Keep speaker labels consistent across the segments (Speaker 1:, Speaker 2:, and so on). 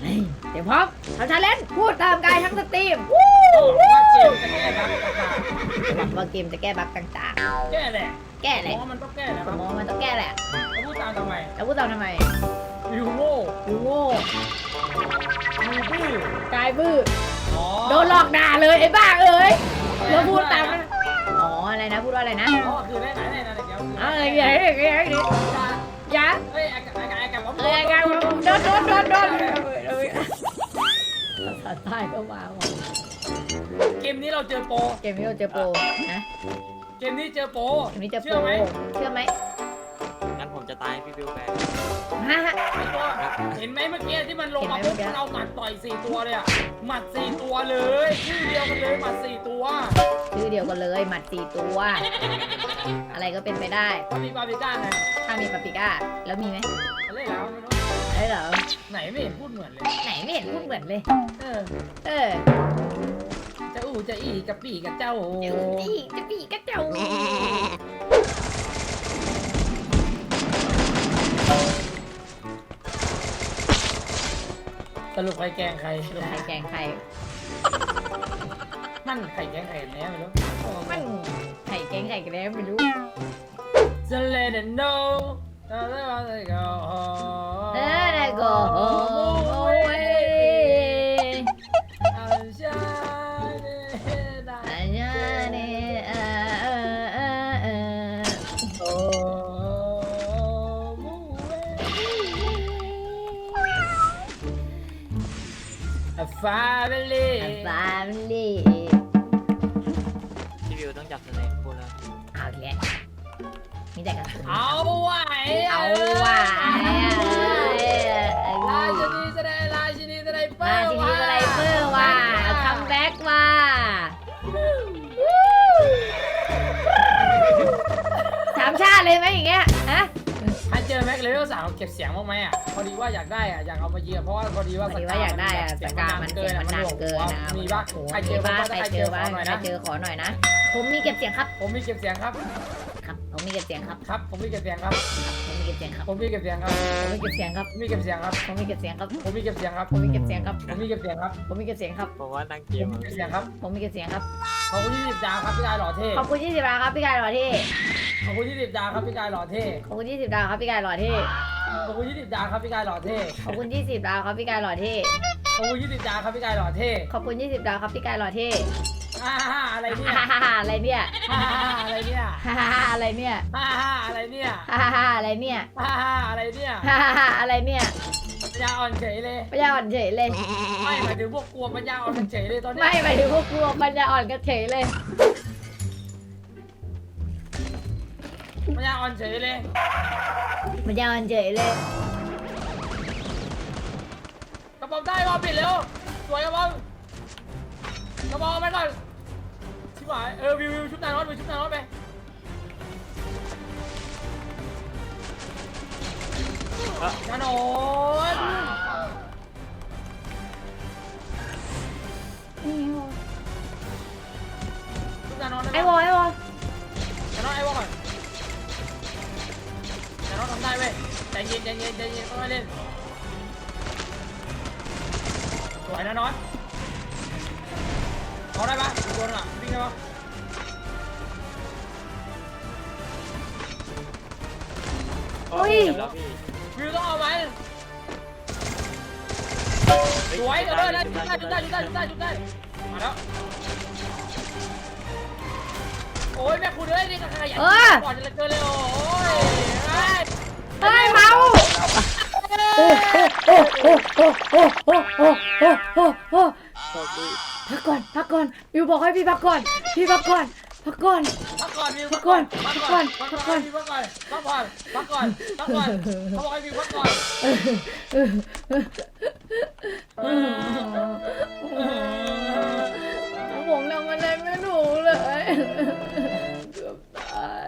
Speaker 1: เดี๋ยวพร้อมทำชาเลนจ์พูดตามกายทั้งสตรีม
Speaker 2: ว่าเกมจะแก้บั๊กต่าง
Speaker 1: ว่าเกมจะแก้บั๊กต่าง
Speaker 2: ๆ
Speaker 1: แก้แหละ
Speaker 2: แก้แหละ
Speaker 1: เพราะมันต้องแก้แหละค
Speaker 2: ผ
Speaker 1: รั
Speaker 2: ม
Speaker 1: บ
Speaker 2: มองมันต้องแก้แหละ
Speaker 1: แล้วพูดตามทำไม
Speaker 2: แล้วพูดตามทำไม
Speaker 1: วิวโง่
Speaker 2: ดูโง่
Speaker 1: วิวบื้อก
Speaker 2: ายบื้อ
Speaker 1: อ๋อ
Speaker 2: โดนหลอกด่าเลยไอ้บ้าเอ้ยแล้วพูดตามมันอ๋ออะไรนะพูดว่าอะไรนะ
Speaker 1: อ๋อคือได้ไหนได้นะเดี๋ยว
Speaker 2: อะไรอย่างเงี้ยอย่างเงี้ยยะ
Speaker 1: เฮ้ยไอ้กับผม
Speaker 2: อะไรกันโดนภาษาใต้ก็มาว่ะ
Speaker 1: เกมนี้เราเจอโปร
Speaker 2: เกมนี้เราเจอโปรนะ
Speaker 1: เกมนี้เจอโปร
Speaker 2: เกมนี้เจอโปร
Speaker 1: เชื่อไหม
Speaker 2: เชื่อไหม
Speaker 3: งั้นผมจะตายพี่บิวแบก
Speaker 2: ฮะ
Speaker 1: ไอ้ตัวเห็นไหมเมื่อกี้ที่มันลงมาปุ๊บมันเอาหมัดต่อย4ตัวเลยอะหมัด4ตัวเลยชื่อเดียวกันเลยหมัด4ตัว
Speaker 2: ชื่อเดียวกันเลยหมัด4ตัว อะไรก็เป็นไปได้
Speaker 1: ปาปริก้าไง
Speaker 2: ถ้ามีปาปริก้าแล้วมีไหม
Speaker 1: อะไรแล้วไม่รู้
Speaker 2: ไอ้เหรอ
Speaker 1: ไหนไม่เห็นพูดเหมือนเลย
Speaker 2: ไหนไม่เห็นพูดเหมือนเลย
Speaker 1: เออ
Speaker 2: เออ
Speaker 1: จะอู้จะอีกับปีกับเจ้า
Speaker 2: จะปีกระเจ้า
Speaker 1: สรุปใครแกงใคร
Speaker 2: ลงใครแกงใคร
Speaker 1: มันใครแกงใครแน่ไม่รู้
Speaker 2: มันไข่แกงไข่กระแดมไม่รู้
Speaker 1: จะเล่นโน้เออแล้วก็
Speaker 2: เออแล้วก็โอ้ย
Speaker 1: อาชาเนดา
Speaker 2: อันนี้เนี่ย
Speaker 1: โอ้มูเอฟาเบลี
Speaker 2: ฟามิลี่
Speaker 3: พี่บิวต้องจับสเนคพูดแล้ว
Speaker 2: เอาแยะมีแต่กระสุน
Speaker 1: เอาไหว
Speaker 2: เอาว่ะ
Speaker 1: ราชินีแสดงราชินีแสดงเปิ้
Speaker 2: มา
Speaker 1: ล
Speaker 2: ทีนี้อะไรเปิ้ลว่ะคัมแบ็กว่ะสามชาติเลยไหมอย่างเงี้ยฮะ
Speaker 1: ถ้าเจอแม็กเลเวล3เก็บเสียงบ้างไหมอ่ะพอดีว่าอยากได้อ่ะอยากเอามาเยียเพราะว่าพอดีว่า
Speaker 2: พอดีว่าอยากได้อะสกามันเสียงมันหนักเกินนะ
Speaker 1: มีบ้างใครเจอ
Speaker 2: บ้า
Speaker 1: บ้าง
Speaker 2: ใคร
Speaker 1: ใคร
Speaker 2: เจ
Speaker 1: เจ
Speaker 2: อ
Speaker 1: อ
Speaker 2: บ้า
Speaker 1: บ้าง งหน่อย
Speaker 2: ใคร
Speaker 1: นะ
Speaker 2: เจอขอหน่อยนะ ผมมีเก็บเสียงครับ
Speaker 1: ผมมีเก็บเสียงครับ
Speaker 2: ครับผมมีเก็บเสียงครับ
Speaker 1: ครับผมมีเก็บเสียงครับ
Speaker 2: ผมมีเก็บเสียงครับ
Speaker 1: ผมมีเก็บเสียงครับ
Speaker 2: ผมมีเก็บเสียงครับ
Speaker 1: ผมมีเก็บเสียงครับ
Speaker 2: ผมมีเก็บเสียงครับ
Speaker 1: ผมมีเก็บเสียงครับ
Speaker 2: ผมมีเก็บเสียงครับ
Speaker 1: ผมมีเก็บเสียงครับ
Speaker 2: ผมมีเก็บเสียงครับ
Speaker 3: ผมว่านั่งเก
Speaker 1: ผม ม
Speaker 3: อะ
Speaker 1: มีเก็บเสียงครับ
Speaker 2: ผมมีเก็บเสียงครับ
Speaker 1: ขอบคุณ20ดาวครับพี่กายหล่อเท่
Speaker 2: ขอบคุณ20ดาวครับพี่กายหล่อเท่
Speaker 1: ขอบคุณ20ดาวครับพี่กายหล่อเท่
Speaker 2: ขอบคุณ20ดาวครับพี่กายหล่อเท่
Speaker 1: ขอบคุณ20ดาวครับพี่กายหล่อเท่
Speaker 2: ขอบคุณ20ดาวครับพี่กายหล่อเท่
Speaker 1: ขอบคุณ20ดาวครับพี่กายหล่อเท่
Speaker 2: ขอบคุณ20ดาวครับพี่กายหล่อเท่
Speaker 1: อะไรเนี่ย
Speaker 2: ฮ่าฮ่าฮ่าอะไรเนี่ย
Speaker 1: อะไรเนี่ย
Speaker 2: ฮ่าฮ่าฮ่าอะไรเนี่ย
Speaker 1: อะไรเนี่ย
Speaker 2: ฮ่าฮ่าฮ่าอะไรเนี่ย
Speaker 1: อะไรเนี่ย
Speaker 2: ฮ่าฮ่าฮ่าอะไรเนี่ย
Speaker 1: ปัญญาอ่อนเฉยเลย
Speaker 2: ปัญญาอ่อนเฉยเลย
Speaker 1: ไม่หมายถึงพวกกลัวปัญญาอ่อนกันเฉยเลยตอนนี้
Speaker 2: ไม่หมายถึงพวกกลัวปัญญาอ่อนกันเฉยเลย
Speaker 1: ปัญญาอ่อนเฉยเลย
Speaker 2: ปัญญาอ่อนเฉยเลย
Speaker 1: กระป๋องได้บอลปิดเร็วสวยกระป๋องกระป๋องไปก่อนชิบหายวิวชุบนายรถไปชุบนายรถไปนานนชุบนานน
Speaker 2: ไอ้วอไอ้วอ
Speaker 1: นานนไอ้วอก่อนนานนทำได้เว้ยใจเย็นต้องให้เล่นสวยนะน็อตเอาได้ปะโดนอ่ะวิ่งได้ปะ
Speaker 3: แล้วพี่
Speaker 1: วิวต้องเอาไหมสวยเออได้จุดได้มาแล้วโอ้ยแม่คุณเอ้ยนี่ก็ขยันก่อนจะเจอเลยโอ้ย
Speaker 2: เฮ้ยเมาโอ้พักก่อนพักก่อนวิวบอกให้พี่พักก่อนพี่พักก่อนพักก่อน
Speaker 1: พักก่อนวิวพักก่อนเขาบอกให้วิวพักก่อน
Speaker 2: ผมทำอะไรไม่ถูกเลยเกือบตาย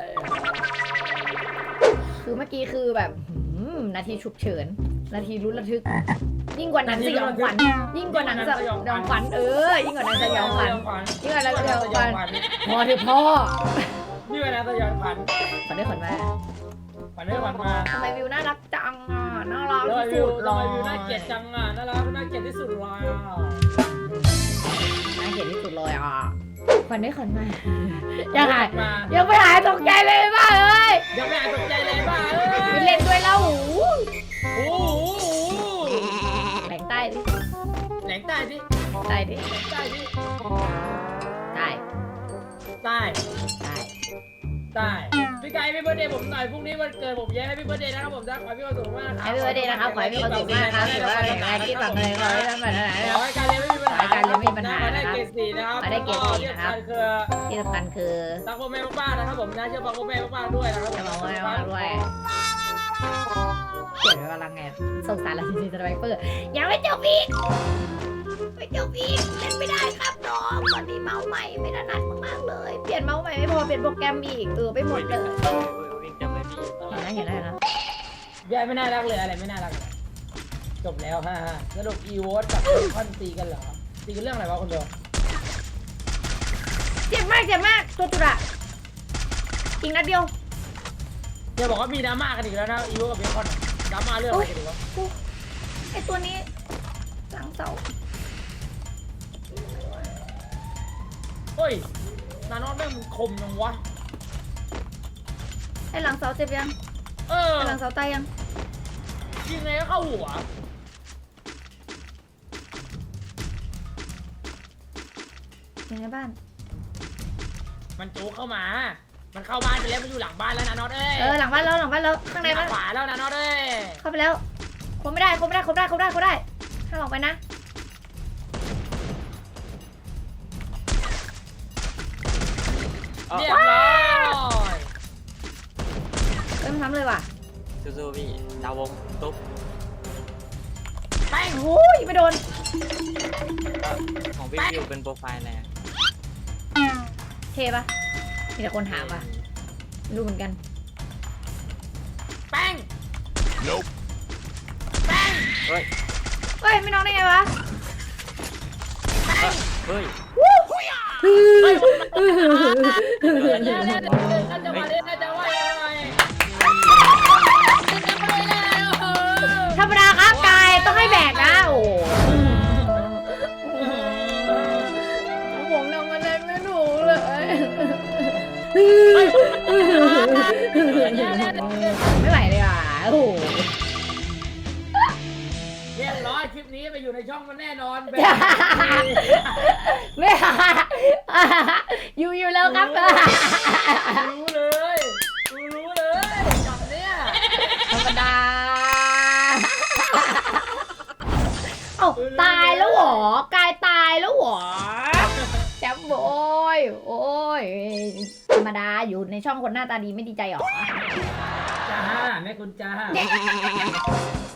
Speaker 2: คือเมื่อกี้คือแบบนาทีฉุกเฉินนาทีลุ้นระทึกยิ่งกว่าหนังสยองขวัญยิ่งกว่าหนังสยองขวัญยิ่งกว่าหนังสยองขวัญยิ่งกว่าหนังสยองขวัญพอเถอะพ่อ
Speaker 1: นี่เวลาสยองขวัญ
Speaker 2: ขอได้ขวัญมา
Speaker 1: ขวัญได้ขวัญมา
Speaker 2: ทำไมวิวน่ารักจังอ่ะน่ารัก
Speaker 1: แล้ว
Speaker 2: ที่
Speaker 1: วิ
Speaker 2: สุ
Speaker 1: ว
Speaker 2: ดเล
Speaker 1: ทำไม
Speaker 2: ย
Speaker 1: วิวน่าเกลียดจังอ่ะน่ารักน่าเกลียดที่สุดเลย
Speaker 2: น่าเกลียดที่สุดเลยอ่ะขวัญได้ขวัญมายังไง
Speaker 1: มา
Speaker 2: ยังไม่หายตกใจเลยบ้าเอ้ย
Speaker 1: ยังไม่อ่านตกใจเลยบ้า
Speaker 2: ไปเล่นด้วยแล้วหู
Speaker 1: โอ้โห
Speaker 2: แหลงใต้ดิ
Speaker 1: แหลงใต้ดิ
Speaker 2: ใต้ดิ
Speaker 1: แหลงใต้ดิ
Speaker 2: ใต้
Speaker 1: ใต้
Speaker 2: ใต้
Speaker 1: ใต้พี่ไก่พี่เบิร์ดเดย์ผมหน่อยพรุ่งนี้วันเกิดผมแย่ให้พี่เบิร์ดเดย์นะครับผมนะขอให้พี่ความสุขมากนะครั
Speaker 2: ให้พี่เบิร์ดเดย์นะครับขอให้มีความสุขมากครับถือว่าแข็งแรงที่ฝังเลยขอให้ทำแบบไหน
Speaker 1: ขอให้การเรียนไม่มีปัญหา
Speaker 2: ขอให้การเรียนไม่มีปัญหา
Speaker 1: ขอให้ได้เกรด4นะครับ
Speaker 2: ขอให้ได้เกรด4นะครับ
Speaker 1: ที่สำคัญคือ
Speaker 2: ที่สำคัญคือ
Speaker 1: รักพ่อแม่มากๆนะครับผมนะเชื่อฟังพ่อแม่มากๆด้วยนะครับ
Speaker 2: จะบอกว่าไม่ว่าด้วยเขียนไว้ว่ารังไงสงสารเราจริงๆสไนเปอร์ยังไม่จบอีกไม่จบอีกเล่นไม่ได้ครับน้องตอนนี้เมาส์ใหม่ไม่ถนัดมากๆเลยเปลี่ยนเมาส์ใหม่ไม่พอเปลี่ยนโปรแกรมอีกไปหมดเลย
Speaker 3: วิ่งจับเลยพี่
Speaker 2: เห็นแล้ว
Speaker 1: ยายไม่น่ารักเลยอะไรไม่น่ารักเลยจบแล้วฮ่าสรุปอีโวตกับเบคอนตีกันเหรอตีกันเรื่องอะไรวะคนเดียว
Speaker 2: เจ็บมากตัวตุระอีกนัดเดียว
Speaker 1: อย่าบอกว่ามีดราม่ากันอีกแล้วนะอีโวกับเบคอนดราม่าเรื่องอะไรกันดีวะ
Speaker 2: ไอตัวนี้หลังเสา
Speaker 1: เฮ้ยนานอนแม่งมึงคมจังวะ
Speaker 2: ไอหลังเสาเจ็บยัง
Speaker 1: เออ
Speaker 2: ไอหลังเสาตายยัง
Speaker 1: ยิงไงก็เข้าหัว
Speaker 2: อยู่ในบ้าน
Speaker 1: มันจูเข้ามา มันเข้าบ้านไปแล้วมันอยู่หลังบ้านแล้วนะน็อตเอ้ย
Speaker 2: หลังบ้านแล้วข้างในบ้าน
Speaker 1: ขวาแล้วนะน็อตเอ้ย
Speaker 2: เข้าไปแล้วคบไม่ได้ห้ามออกไปนะ
Speaker 1: เรียบร้อย
Speaker 2: มันซ้ำเลยว่ะ
Speaker 3: สู้ๆพี่ดาวงตุ๊บ
Speaker 1: แป้ง
Speaker 2: โอ้ยไม่โดน
Speaker 3: ของพี่วิวเป็นโปรไฟล์อะไรอะ
Speaker 2: เทปะมีแต่คนถามว่ะไม่รู้เหมือนกัน
Speaker 1: แป้งแป้ง
Speaker 3: เฮ้ย
Speaker 2: เฮ้ยไม่น้องได้ไงวะ
Speaker 3: เฮ้ย
Speaker 1: เดี๋ยวน่าจะมาเล่นน่าจะว่ายังไง
Speaker 2: ธรรมดาครับกายต้องให้แบกนะโอ้ผมทำอะไรไม่ถูกเลยไม่ไหวเลยอ่ะโอ้โห
Speaker 1: เรียบร้อยคลิปนี้ไปอยู่ในช่องมันแน่นอนแบบ
Speaker 2: ไม่อยู่แล้วครับ
Speaker 1: รู้เลยจับเนี่ย
Speaker 2: ธรรมดาเอ้าตายแล้วเหรอกายตายแล้วเหรอแจ๊บโอ้ยธรรมดาอยู่ในช่องคนหน้าตาดีไม่ดีใจหรอ
Speaker 1: จ้าแม่คุณจ้า